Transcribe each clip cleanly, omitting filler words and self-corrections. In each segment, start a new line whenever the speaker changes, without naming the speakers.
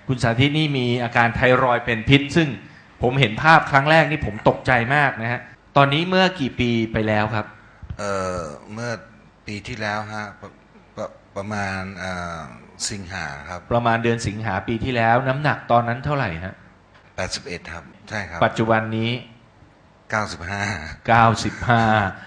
คุณสาธิตนี่มีอาการไทรอยด์เป็นพิษซึ่งผมเห็นภาพครั้งแรกนี่ผมตกใจมากนะฮะตอนนี้เมื่อกี่ปีไปแล้วครับ
เมื่อปีที่แล้วฮะประมาณสิงหาครับ
ประมาณเดือนสิงหาปีที่แล้วน้ำหนักตอนนั้นเท่าไหร่ฮะ
81ครับใช่ครับ
ปัจจุบันนี้
95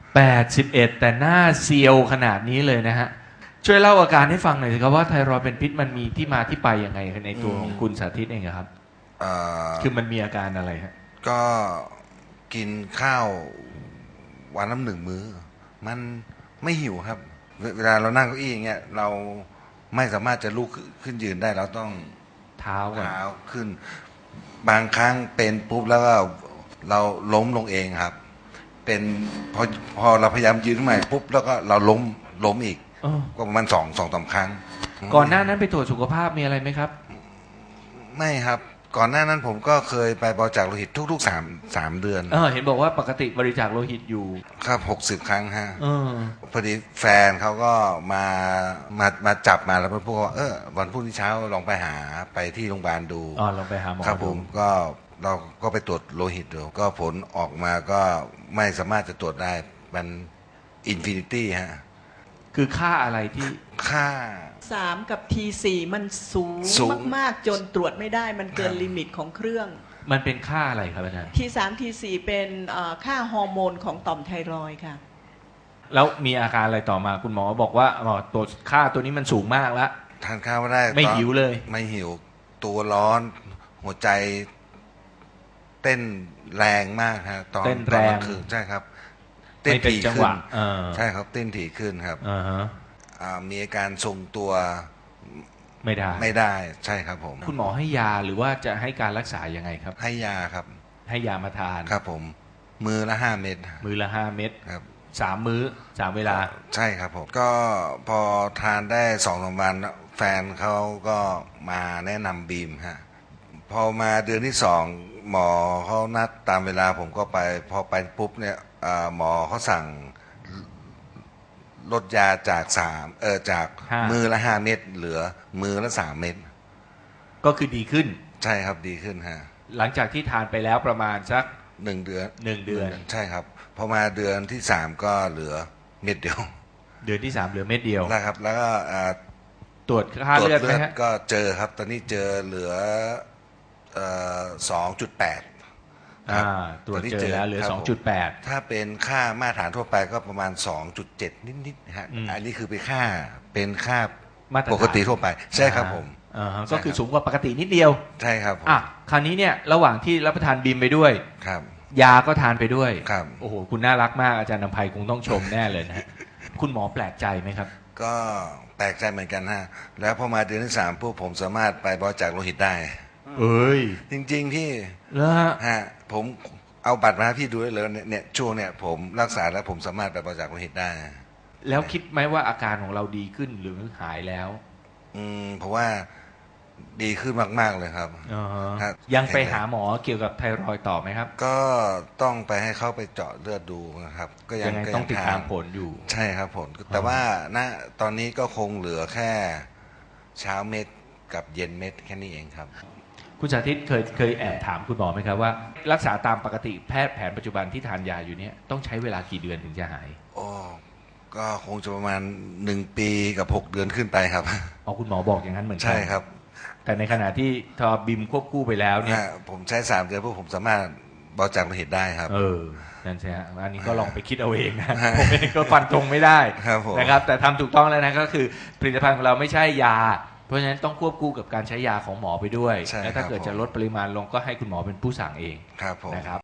81แต่หน้าเซียวขนาดนี้เลยนะฮะช่วยเล่าอาการให้ฟังหน่อยสิครับว่าไทรอยด์เป็นพิษมันมีที่มาที่ไปยังไงในตัวของคุณสาธิตเองครับคือมันมีอาการอะไรฮะ
ก็กินข้าววันละ1 มื้อมันไม่หิวครับเวลาเรานั่งเก้าอี้อย่างเงี้ยเราไม่สามารถจะลุกขึ้นยืนได้เราต้อง
เท้า
ขึ้นบางครั้งเป็นปุ๊บแล้วก็เราล้มลงเองครับเป็นพอเราพยายามยืนขึ้นมาปุ๊บแล้วก็เราล้มอีกก็ประมาณ2-3 ครั้ง
ก่อนหน้านั้นไปตรวจสุขภาพมีอะไรไหมครับ
ไม่ครับก่อนหน้านั้นผมก็เคยไปบริจาคโลหิตทุกๆ3 เดือน
เห็นบอกว่าปกติบริจาคโลหิตอยู่
ครับ60 ครั้งฮะพอดีแฟนเขาก็มาจับมาแล้วพูดว่าวันพรุ่งนี้เช้าลองไปหาไปที่โรงพยาบาลดู
ลองไปหาหมอ
ครับผมก็เราก็ไปตรวจโลหิตดูก็ผลออกมาก็ไม่สามารถจะตรวจได้มันอินฟินิตี้ฮะ
คือค่าอะไรที่
ค่า
3กับ T4 มันสูงมากๆจนตรวจไม่ได้มันเกินลิมิตของเครื่อง
มันเป็นค่าอะไรครับอาจารย์
T3 T4 เป็นค่าฮอร์โมนของต่อมไทรอยด์ค่ะ
แล้วมีอาการอะไรต่อมาคุณหมอบอกว่าตัวค่าตัวนี้มันสูงมากแล้ว
ทานข้าวไม่ได้
ไม่หิวเลย
ไม่หิวตัวร้อนหัวใจเต้นแรงมากฮะตอน
เต้นแรง
คือใช่ครับเต้นถี่ขึ้นใช่ครับเต้นถี่ขึ้นครับมีอาการทรงตัวไม่ได้ใช่ครับผม
คุณหมอให้ยาหรือว่าจะให้การรักษายังไงครับ
ให้ยาครับ
ให้ยามาทาน
ครับผมมื้อละ5 เม็ด
มื้อละ5 เม็ด
ครับ
3 มื้อ3 เวลา
ใช่ครับผมก็พอทานได้2-3 วันแฟนเขาก็มาแนะนำบีมฮะพอมาเดือนที่2หมอเขานัดตามเวลาผมก็ไปพอไปปุ๊บเนี่ยหมอเขาสั่งลดยาจากจากมือละ5 เม็ดเหลือมือละ3 เม็ด
ก็คือดีขึ้น
ใช่ครับดีขึ้นฮะ
หลังจากที่ทานไปแล้วประมาณสัก
1 เดือน
1 เดือน
ใช่ครับพอมาเดือนที่3ก็เหลือเม็ดเดียว
เดือนที่3เหลือเม็ดเดียว
นะครับแล้วก็
ตรวจค่าเลือดไหมฮะ
ก็เจอครับตอนนี้เจอเหลือ2.8
ตรวจเจอแล้วเหลือ 2.8
ถ้าเป็นค่ามาตรฐานทั่วไปก็ประมาณ 2.7 นิดๆฮะอันนี้คือเป็นค่าปกติทั่วไปใช่ครับผม
ก็คือสูงกว่าปกตินิดเดียว
ใช่ครับ
คราวนี้เนี่ยระหว่างที่รับประทานบีมไปด้วย
ครับ
ยาก็ทานไปด้วย
ครับ
โอ้โหคุณน่ารักมากอาจารย์นำไพคงต้องชมแน่เลยนะคุณหมอแปลกใจไหมครับ
ก็แปลกใจเหมือนกันฮะแล้วพอมาเดือนที่3พวกผมสามารถไปบริจาคโลหิตได้จริงๆพี่ฮะผมเอาบัตรมาให้พี่ดูได้เลยเนี่ยช่วงเนี่ยผมรักษาแล้วผมสามารถไปบริจาคโลหิตได้
แล้วคิดไหมว่าอาการของเราดีขึ้นหรือหายแล้ว
เพราะว่าดีขึ้นมากๆเลยครับ
ยังไปหาหมอเกี่ยวกับไทรอยด์ต่อไหมครับ
ก็ต้องไปให้เขาไปเจาะเลือดดูนะครับก็
ยังต้องติดตามผลอยู่
ใช่ครับผลแต่ว่าตอนนี้ก็คงเหลือแค่เช้าเม็ดกับเย็นเม็ดแค่นี้เองครับ
คุณสาธิตเคยแอบถามคุณหมอไหมครับว่ารักษาตามปกติแพทย์แผนปัจจุบันที่ทานยาอยู่เนี่ยต้องใช้เวลากี่เดือนถึงจะหาย
ก็คงจะประมาณ1 ปีกับ6 เดือนขึ้นไปครับ
คุณหมอบอกอย่างนั้นเหมือนกัน
ใช่ครับ
แต่ในขณะที่ทอบิมควบคู่ไปแล้วเนี่ย
ผมใช้3 เดือนพวกผมสามารถบริจาคโลหิตได้ครับ
นั่นใช่ฮะอันนี้ก็ลองไปคิดเอาเองนะผมเองก็ฟันธงไม่ได้นะครับแต่ทำถูกต้องแล้วนะก็คือผลิตภัณฑ์ของเราไม่ใช่ยาเพราะฉะนั้นต้องควบคู่กับการใช้ยาของหมอไปด้วยและถ้าเกิดจะลดปริมาณลงก็ให้คุณหมอเป็นผู้สั่งเองนะครับ